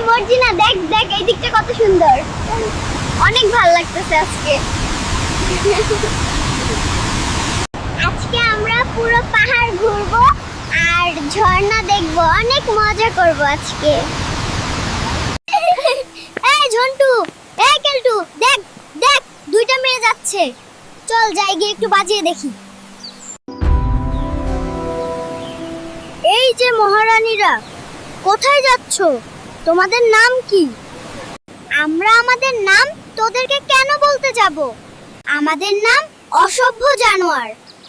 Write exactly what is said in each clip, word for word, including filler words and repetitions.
মর্জিনা, দেখ দেখ এই দিকটা কত সুন্দর, অনেক ভালো লাগতেছে আজকে। আজকে আমরা পুরো পাহাড় ঘুরবো আর ঝর্ণা দেখবো, অনেক মজা করব আজকে। এই ঝন্টু, এই কেলটু, দেখ দেখ দুইটা মেয়ে যাচ্ছে, চল যাই গিয়ে একটু বাজিয়ে দেখি। এই যে মহারানীরা, কোথায় যাচ্ছ? তোমাদের নাম কি? আমরা আমাদের নাম তোদেরকে কেন বলতে যাব? আমাদের নাম অসভ্য জানোয়ার।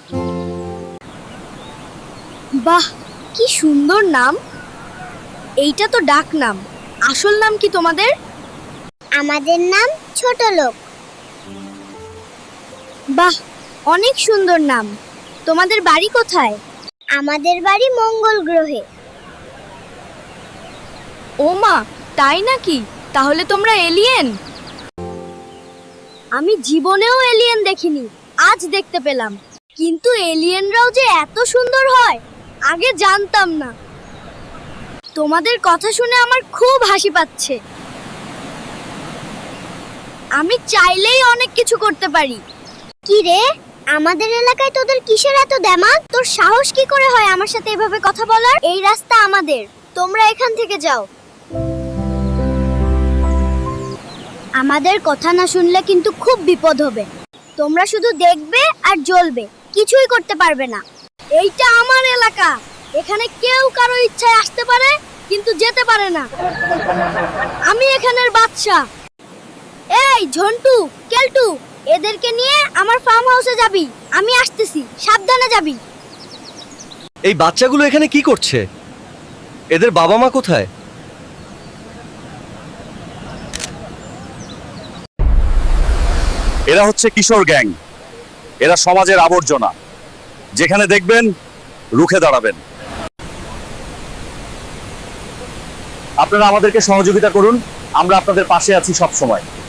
বাহ, কি সুন্দর নাম। এইটা তো ডাক নাম, আসল নাম কি তোমাদের? আমাদের নাম ছোট লোক। বাহ, অনেক সুন্দর নাম। তোমাদের বাড়ি কোথায়? আমাদের বাড়ি মঙ্গল গ্রহে। ও মা, তাই নাকি? তাহলে তোমরা এলিয়েন? আমি জীবনেও এলিয়েন দেখিনি, আজ দেখতে পেলাম। কিন্তু এলিয়েনরাও যে এত সুন্দর হয় আগে জানতাম না। তোমাদের কথা শুনে আমার খুব হাসি পাচ্ছে। আমি চাইলেই অনেক কিছু করতে পারি। কি রে, আমাদের এলাকায় তোদের কিসের এত দেমাগ? তোর সাহস কি করে হয় আমার সাথে এভাবে কথা বলার? এই রাস্তা আমাদের, তোমরা এখান থেকে যাও। আমাদের কথা না শুনলে কিন্তু খুব বিপদ হবে। তোমরা শুধু দেখবে আর জ্বলবে, কিছুই করতে পারবে না। এইটা আমার এলাকা, এখানে কেউ কারো ইচ্ছায় আসতে পারে কিন্তু যেতে পারে না। আমি এখানের বাদশা। এই ঝন্টু, কেলটু, এদেরকে নিয়ে আমার ফার্ম হাউসে যাবি। আমি আসতেছি, সাবধানে যাবি। এই বাচ্চাগুলো এখানে কি করছে? এদের বাবা মা কোথায়? এরা হচ্ছে কিশোর গ্যাং। এরা সমাজের আবর্জনা, যেখানে দেখবেন রুখে দাঁড়াবেন। আপনারা আমাদেরকে সহযোগিতা করুন, আমরা আপনাদের পাশে আছি সব সময়।